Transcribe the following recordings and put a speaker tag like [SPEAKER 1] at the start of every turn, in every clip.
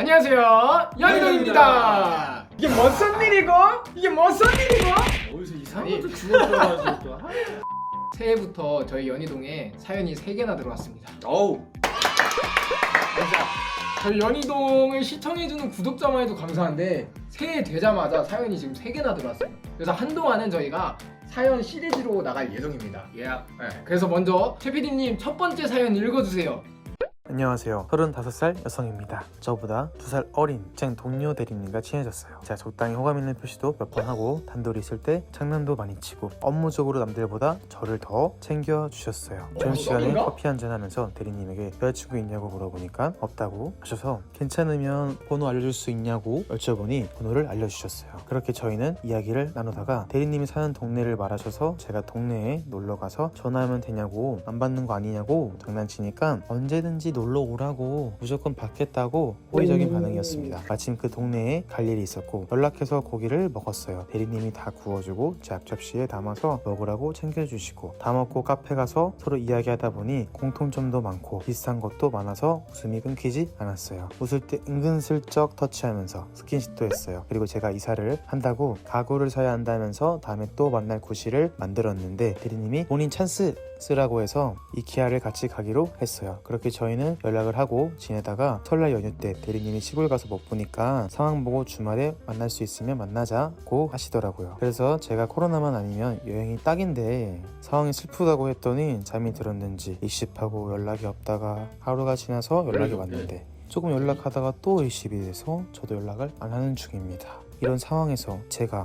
[SPEAKER 1] 안녕하세요, 연희동입니다. 이게 무슨 일이고? 이게 무슨 일이고?
[SPEAKER 2] 어디서 이상한 것도 주워들어가지고 또.
[SPEAKER 1] 새해부터 저희 연희동에 사연이 3개나 들어왔습니다.
[SPEAKER 2] 어우.
[SPEAKER 1] 저희 연희동을 시청해주는 구독자만 해도 감사한데 새해 되자마자 사연이 지금 3개나 들어왔어요. 그래서 한동안은 저희가 사연 시리즈로 나갈 예정입니다.
[SPEAKER 2] 예.
[SPEAKER 1] 네, 그래서 먼저 최 PD님 첫 번째 사연 읽어주세요.
[SPEAKER 3] 안녕하세요. 35살 여성입니다. 저보다 2살 어린 제 동료 대리님과 친해졌어요. 제가 적당히 호감 있는 표시도 몇 번 하고 단둘이 있을 때 장난도 많이 치고 업무적으로 남들보다 저를 더 챙겨주셨어요. 점심시간에
[SPEAKER 1] 썸인가?
[SPEAKER 3] 커피 한잔 하면서 대리님에게 여자친구 있냐고 물어보니까 없다고 하셔서 괜찮으면 번호 알려줄 수 있냐고 여쭤보니 번호를 알려주셨어요. 그렇게 저희는 이야기를 나누다가 대리님이 사는 동네를 말하셔서 제가 동네에 놀러가서 전화하면 되냐고 안 받는 거 아니냐고 장난치니까 언제든지 놀러 오라고 무조건 받겠다고 호의적인 반응이었습니다. 마침 그 동네에 갈 일이 있었고 연락해서 고기를 먹었어요. 대리님이 다 구워주고 제 앞접시에 담아서 먹으라고 챙겨주시고 다 먹고 카페 가서 서로 이야기하다 보니 공통점도 많고 비슷한 것도 많아서 웃음이 끊기지 않았어요. 웃을 때 은근슬쩍 터치하면서 스킨십도 했어요. 그리고 제가 이사를 한다고 가구를 사야 한다면서 다음에 또 만날 구실을 만들었는데 대리님이 본인 찬스 쓰라고 해서 이케아를 같이 가기로 했어요. 그렇게 저희는 연락을 하고 지내다가 설날 연휴 때 대리님이 시골 가서 못 보니까 상황 보고 주말에 만날 수 있으면 만나자고 하시더라고요. 그래서 제가 코로나만 아니면 여행이 딱인데 상황이 슬프다고 했더니 잠이 들었는지 일십하고 연락이 없다가 하루가 지나서 연락이 왔는데 조금 연락하다가 또 일십이 돼서 저도 연락을 안 하는 중입니다. 이런 상황에서 제가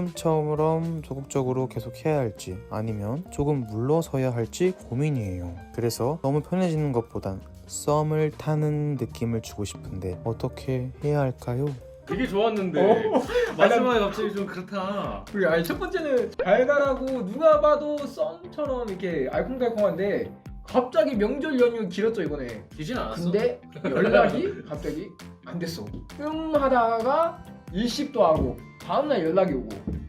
[SPEAKER 3] 지금처럼 적극적으로 계속 해야 할지 아니면 조금 물러서야 할지 고민이에요. 그래서 너무 편해지는 것보단 썸을 타는 느낌을 주고 싶은데 어떻게 해야 할까요?
[SPEAKER 2] 되게 좋았는데 마지막에 갑자기 좀 그렇다.
[SPEAKER 1] 그게 아니 첫 번째는 달달하고 누가 봐도 썸처럼 이렇게 알콩달콩한데 갑자기 명절 연휴 길었죠 이번에.
[SPEAKER 2] 기진 않았어?
[SPEAKER 1] 근데 연락이 갑자기 안 됐어. 하다가 일십도 하고 다음날 연락이 오고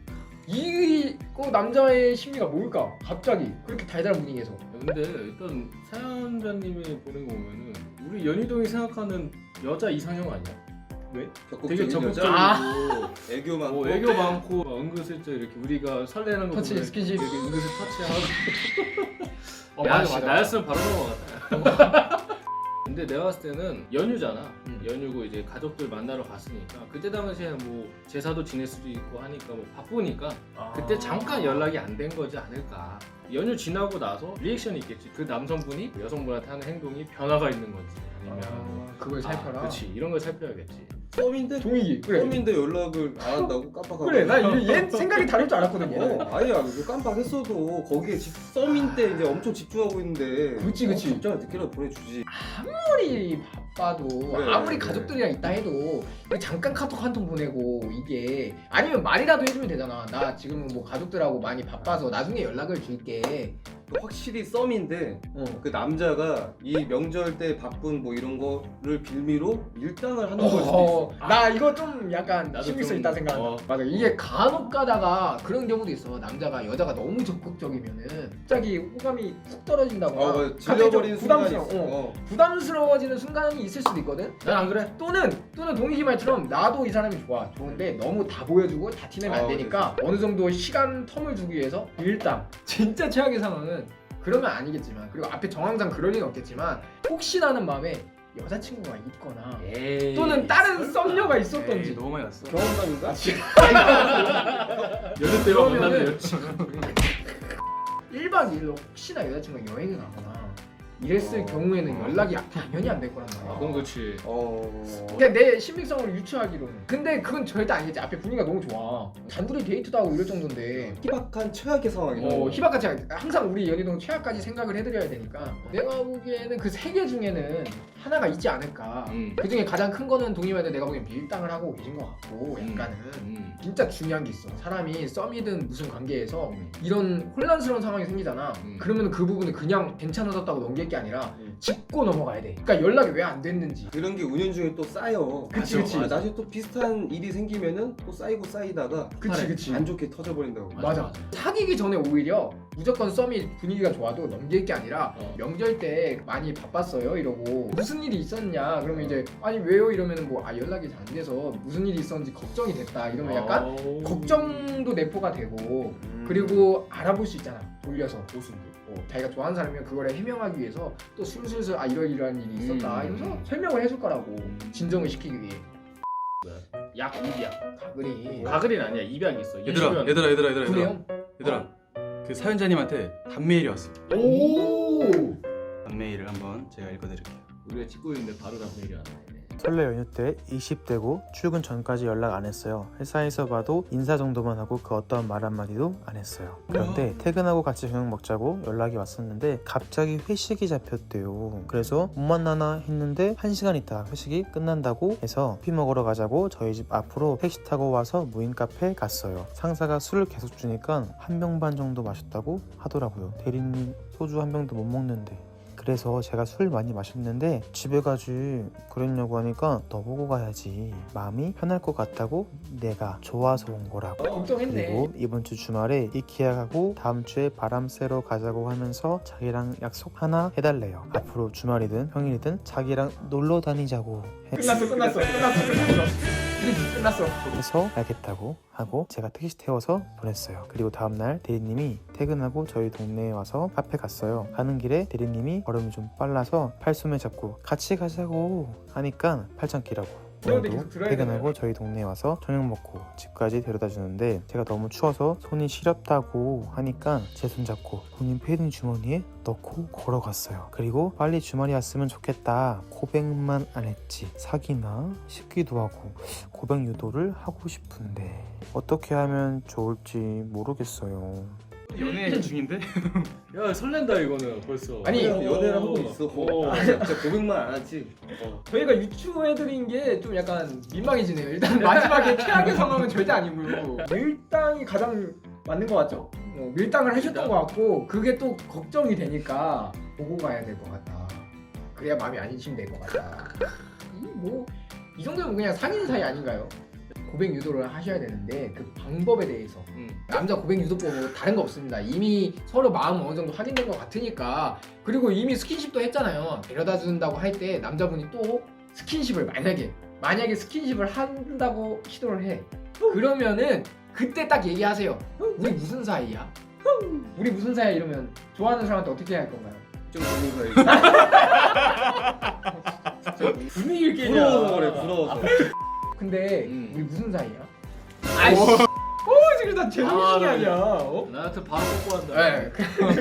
[SPEAKER 1] 이거 남자의 심리가 뭘까? 갑자기 그렇게 달달한 분위기에서.
[SPEAKER 2] 근데 일단 사연자님이 보낸 거 보면은 우리 연희동이 생각하는 여자 이상형 아니야?
[SPEAKER 1] 왜?
[SPEAKER 2] 되게 적극적이고
[SPEAKER 4] 애교 많고
[SPEAKER 2] 애교 많고 은근슬쩍 이렇게 우리가 설레는 거
[SPEAKER 1] 터치,
[SPEAKER 2] 보면
[SPEAKER 1] 스킨십.
[SPEAKER 2] 이렇게 은근슬 터치하고
[SPEAKER 1] 맞아 맞아.
[SPEAKER 2] 나였으면 바로 넘어갔다. 근데 내가 봤을 때는 연휴잖아. 연휴고 이제 가족들 만나러 갔으니까 그때 당시에 뭐 제사도 지낼 수도 있고 하니까 뭐 바쁘니까 그때 잠깐 연락이 안 된 거지 않을까. 연휴 지나고 나서 리액션이 있겠지. 그 남성분이 여성분한테 하는 행동이 변화가 있는 건지 아니면
[SPEAKER 1] 그걸 살펴라.
[SPEAKER 2] 그렇지. 이런 걸 살펴야겠지.
[SPEAKER 4] 썸인데
[SPEAKER 1] 종이기. 그래.
[SPEAKER 4] 썸인데 연락을 안 한다고 깜빡하고
[SPEAKER 1] 그래. 나얘 생각이 다를 줄 알았거든요.
[SPEAKER 4] 아니야 깜빡했어도 거기에 썸인 때 이제 엄청 집중하고 있는데
[SPEAKER 1] 그치.
[SPEAKER 4] 갑자기 늦게라도 보내주지.
[SPEAKER 1] 아무리 바빠도
[SPEAKER 4] 그래,
[SPEAKER 1] 아무리
[SPEAKER 4] 그래.
[SPEAKER 1] 가족들이랑 있다 해도 잠깐 카톡 한 통 보내고 이게 아니면 말이라도 해주면 되잖아. 나 지금은 뭐 가족들하고 많이 바빠서 나중에 연락을 줄게.
[SPEAKER 4] 확실히 썸인데
[SPEAKER 1] 어.
[SPEAKER 4] 그 남자가 이 명절 때 바쁜 뭐 이런 거를 빌미로 밀당을 하는 걸 수도 있어.
[SPEAKER 1] 나 이거 좀 약간
[SPEAKER 2] 나도
[SPEAKER 1] 심리성
[SPEAKER 2] 좀,
[SPEAKER 1] 있다 생각한다. 맞아. 이게 간혹 가다가 그런 경우도 있어. 남자가 여자가 너무 적극적이면은 갑자기 호감이 훅 떨어진다거나
[SPEAKER 4] 맞아.
[SPEAKER 1] 갑자기
[SPEAKER 4] 질려버리는
[SPEAKER 1] 좀
[SPEAKER 4] 순간이
[SPEAKER 1] 부담스러워.
[SPEAKER 4] 있어.
[SPEAKER 1] 부담스러워지는 순간이 있을 수도 있거든.
[SPEAKER 2] 난 안 그래.
[SPEAKER 1] 또는 동익이 말처럼 나도 이 사람이 좋은데 너무 다 보여주고 다 티내면 안 되니까 어느 정도 시간 텀을 주기 위해서 밀당. 진짜 최악의 상황은 그러면 아니겠지만 그리고 앞에 정황상 그럴 리는 없겠지만 혹시나는 마음에 여자친구가 있거나
[SPEAKER 2] 에이,
[SPEAKER 1] 또는 다른 썸녀가 있었던지.
[SPEAKER 2] 에이, 너무 많이 왔어.
[SPEAKER 1] 경험담인가?
[SPEAKER 2] 연휴 때만
[SPEAKER 1] 그러면은-
[SPEAKER 2] 만나는 여친.
[SPEAKER 1] 1박 2일로 혹시나 여자친구가 여행을 가거나 이랬을 경우에는 연락이 당연히 안 될 거란 말이야.
[SPEAKER 2] 그건 그렇지.
[SPEAKER 1] 그냥 내 신빙성을 유추하기로는. 근데 그건 절대 아니겠지. 앞에 분위기가 너무 좋아. 단둘이 데이트도 하고 이럴 정도인데
[SPEAKER 4] 희박한 최악의 상황이다.
[SPEAKER 1] 희박같이 항상 우리 연희동 최악까지 생각을 해드려야 되니까 내가 보기에는 그 세 개 중에는 하나가 있지 않을까. 그 중에 가장 큰 거는 동의하는데 내가 보기엔 밀당을 하고 계신 것 같고 약간은 진짜 중요한 게 있어. 사람이 썸이든 무슨 관계에서 이런 혼란스러운 상황이 생기잖아. 그러면 그 부분을 그냥 괜찮아졌다고 넘길 게 아니라 짚고 넘어가야 돼. 그러니까 연락이 왜 안 됐는지.
[SPEAKER 4] 그런 게 운영 중에 또 쌓여.
[SPEAKER 1] 그치, 그치.
[SPEAKER 4] 나중에 또 비슷한 일이 생기면은 또 쌓이고 쌓이다가
[SPEAKER 1] 그치.
[SPEAKER 4] 안 좋게 터져버린다고.
[SPEAKER 1] 맞아. 사귀기 전에 오히려 무조건 썸이 분위기가 좋아도 넘길 게 아니라 명절 때 많이 바빴어요 이러고 무슨 일이 있었냐 그러면 이제 아니 왜요 이러면 뭐 연락이 잘 안 돼서 무슨 일이 있었는지 걱정이 됐다 이러면 약간 걱정도 내포가 되고 그리고 알아볼 수 있잖아 돌려서 자기가 좋아하는 사람이면 그걸 해명하기 위해서 또 술술술 이러이러한 일이 있었다 이러면서 설명을 해줄 거라고 진정을 시키기 위해.
[SPEAKER 2] 약 입약.
[SPEAKER 1] 가글이
[SPEAKER 2] 가글이는 아니야. 입약이 있어.
[SPEAKER 3] 얘들아
[SPEAKER 1] 그래요?
[SPEAKER 3] 얘들아 그 사연자님한테 단메일이 왔어요.
[SPEAKER 1] 오.
[SPEAKER 3] 단메일을 한번 제가 읽어드릴게요.
[SPEAKER 2] 우리가 찍고 있는데 바로 답변이 안 돼.
[SPEAKER 3] 설레 연휴 때 20대고 출근 전까지 연락 안 했어요. 회사에서 봐도 인사 정도만 하고 그 어떤 말 한마디도 안 했어요. 그런데 퇴근하고 같이 저녁 먹자고 연락이 왔었는데 갑자기 회식이 잡혔대요. 그래서 못 만나나 했는데 1시간 있다 회식이 끝난다고 해서 커피 먹으러 가자고 저희 집 앞으로 택시 타고 와서 무인 카페에 갔어요. 상사가 술을 계속 주니까 한 병 반 정도 마셨다고 하더라고요. 대리님 소주 한 병도 못 먹는데. 그래서 제가 술 많이 마셨는데 집에 가지 그랬냐고 하니까 너 보고 가야지 마음이 편할 것 같다고 내가 좋아서 온 거라고.
[SPEAKER 1] 걱정했네.
[SPEAKER 3] 그리고 이번 주 주말에 이케아 가고 다음 주에 바람 쐬러 가자고 하면서 자기랑 약속 하나 해달래요. 앞으로 주말이든 평일이든 자기랑 놀러 다니자고
[SPEAKER 1] 끝났어.
[SPEAKER 3] 해서 알겠다고 하고 제가 택시 태워서 보냈어요. 그리고 다음날 대리님이 퇴근하고 저희 동네에 와서 카페 갔어요. 가는 길에 대리님이 걸음이 좀 빨라서 팔꿈에 잡고 같이 가자고 하니까 팔짱끼라고.
[SPEAKER 1] 그런데
[SPEAKER 3] 오늘도
[SPEAKER 1] 계속 들어야
[SPEAKER 3] 퇴근하고 저희 동네에 와서 저녁 먹고 집까지 데려다 주는데 제가 너무 추워서 손이 시렵다고 하니까 제 손 잡고 본인 패딩 주머니에 넣고 걸어갔어요. 그리고 빨리 주말이 왔으면 좋겠다. 고백만 안 했지 사귀나 싶기도 하고 고백 유도를 하고 싶은데 어떻게 하면 좋을지 모르겠어요.
[SPEAKER 5] 연애 중인데?
[SPEAKER 2] 야 설렌다 이거는 벌써.
[SPEAKER 1] 아니,
[SPEAKER 4] 연애를 하고 있어. 진짜 고백만 안 하지.
[SPEAKER 1] 저희가 유추해드린 게 좀 약간 민망해지네요. 일단 마지막에 최악의 상황은 절대 아니고요. 밀당이 가장 맞는 것 같죠? 밀당을 하셨던 것 같고 그게 또 걱정이 되니까 보고 가야 될 것 같다. 그래야 마음이 안심될 것 같다. 이 정도면 그냥 사귀는 사이 아닌가요? 고백 유도를 하셔야 되는데 그 방법에 대해서 남자 고백 유도법은 다른 거 없습니다. 이미 서로 마음 어느 정도 확인된 것 같으니까 그리고 이미 스킨십도 했잖아요. 데려다 준다고 할 때 남자분이 또 스킨십을 만약에 스킨십을 한다고 시도를 해 그러면은 그때 딱 얘기하세요. 우리 무슨 사이야? 우리 무슨 사이야 이러면 좋아하는 사람한테 어떻게 할 건가요?
[SPEAKER 4] 좀 고백을 해.
[SPEAKER 1] 분위기를 깨냐.
[SPEAKER 4] 부러워서 그래 부러워서.
[SPEAKER 1] 근데 우리 무슨 사이야?
[SPEAKER 2] 아이씨.
[SPEAKER 1] 지금 나 제정신이 아니야. 어?
[SPEAKER 2] 나한테 바로 뽀뽀한다.
[SPEAKER 1] 네.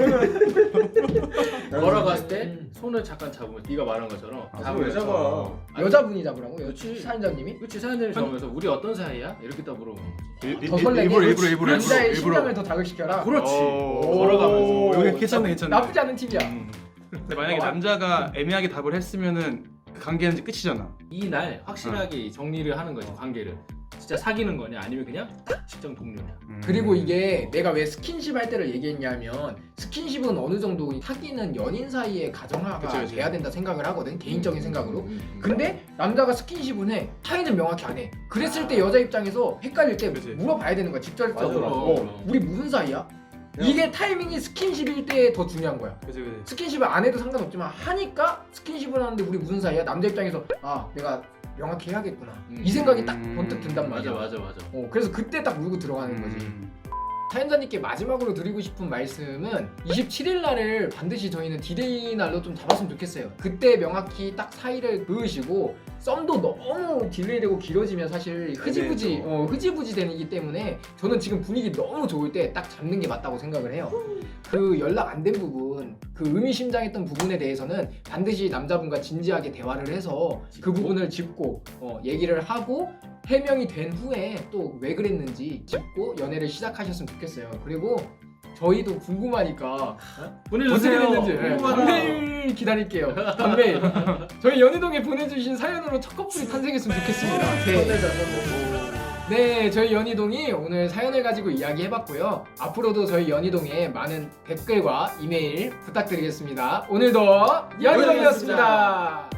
[SPEAKER 2] 걸어갔을 때 손을 잠깐 잡으면 네가 말한 것처럼
[SPEAKER 4] 왜 잡아?
[SPEAKER 1] 여자분이 잡으라고?
[SPEAKER 2] 그치.
[SPEAKER 1] 사연자님이?
[SPEAKER 2] 그치 사연자님 잡으면서 우리 어떤 사이야? 이렇게 딱 물어보는 거지.
[SPEAKER 1] 더 설레게
[SPEAKER 3] 일부러
[SPEAKER 1] 남자의 심장을 더 자극시켜라.
[SPEAKER 2] 그렇지.
[SPEAKER 1] 오.
[SPEAKER 2] 걸어가면서.
[SPEAKER 3] 여기 괜찮네.
[SPEAKER 1] 나쁘지 않은 팁이야.
[SPEAKER 3] 근데 만약에 남자가 애매하게 답을 했으면은 그 관계는 이제 끝이잖아.
[SPEAKER 2] 이날 확실하게 정리를 하는 거지 관계를. 진짜 사귀는 거냐 아니면 그냥 딱 직장 동료냐.
[SPEAKER 1] 그리고 이게 내가 왜 스킨십 할 때를 얘기했냐면 스킨십은 어느 정도 사귀는 연인 사이의 가정화가
[SPEAKER 3] 그치.
[SPEAKER 1] 돼야 된다 생각을 하거든. 개인적인 생각으로. 근데 남자가 스킨십은 해. 사이는 명확히 안 해. 그랬을 때 여자 입장에서 헷갈릴 때
[SPEAKER 3] 그치.
[SPEAKER 1] 물어봐야 되는 거야. 직접적으로.
[SPEAKER 2] 맞아, 맞아.
[SPEAKER 1] 우리 무슨 사이야? 이게 타이밍이 스킨십일 때 더 중요한 거야.
[SPEAKER 3] 그치.
[SPEAKER 1] 스킨십을 안 해도 상관없지만 하니까 스킨십을 하는데 우리 무슨 사이야? 남자 입장에서 내가 명확히 해야겠구나. 이 생각이 딱 번뜩 든단 말이야.
[SPEAKER 2] 맞아.
[SPEAKER 1] 그래서 그때 딱 물고 들어가는 거지. 사연자님께 마지막으로 드리고 싶은 말씀은 27일 날을 반드시 저희는 디데이 날로 좀 잡았으면 좋겠어요. 그때 명확히 딱 사이를 그으시고 썸도 너무 딜레이되고 길어지면 사실 흐지부지 되기 때문에 저는 지금 분위기 너무 좋을 때 딱 잡는 게 맞다고 생각을 해요. 그 연락 안 된 부분, 그 의미심장했던 부분에 대해서는 반드시 남자분과 진지하게 대화를 해서 그 부분을 짚고 얘기를 하고 해명이 된 후에 또 왜 그랬는지 짚고 연애를 시작하셨으면 좋겠어요. 그리고 저희도 궁금하니까 어떻게
[SPEAKER 2] 보내주세요.
[SPEAKER 1] 됐는지 단메일 기다릴게요. 단메일. 저희 연희동에 보내주신 사연으로 첫 커플이 탄생했으면 좋겠습니다. 네. 네, 저희 연희동이 오늘 사연을 가지고 이야기해봤고요. 앞으로도 저희 연희동에 많은 댓글과 이메일 부탁드리겠습니다. 오늘도 연희동이었습니다.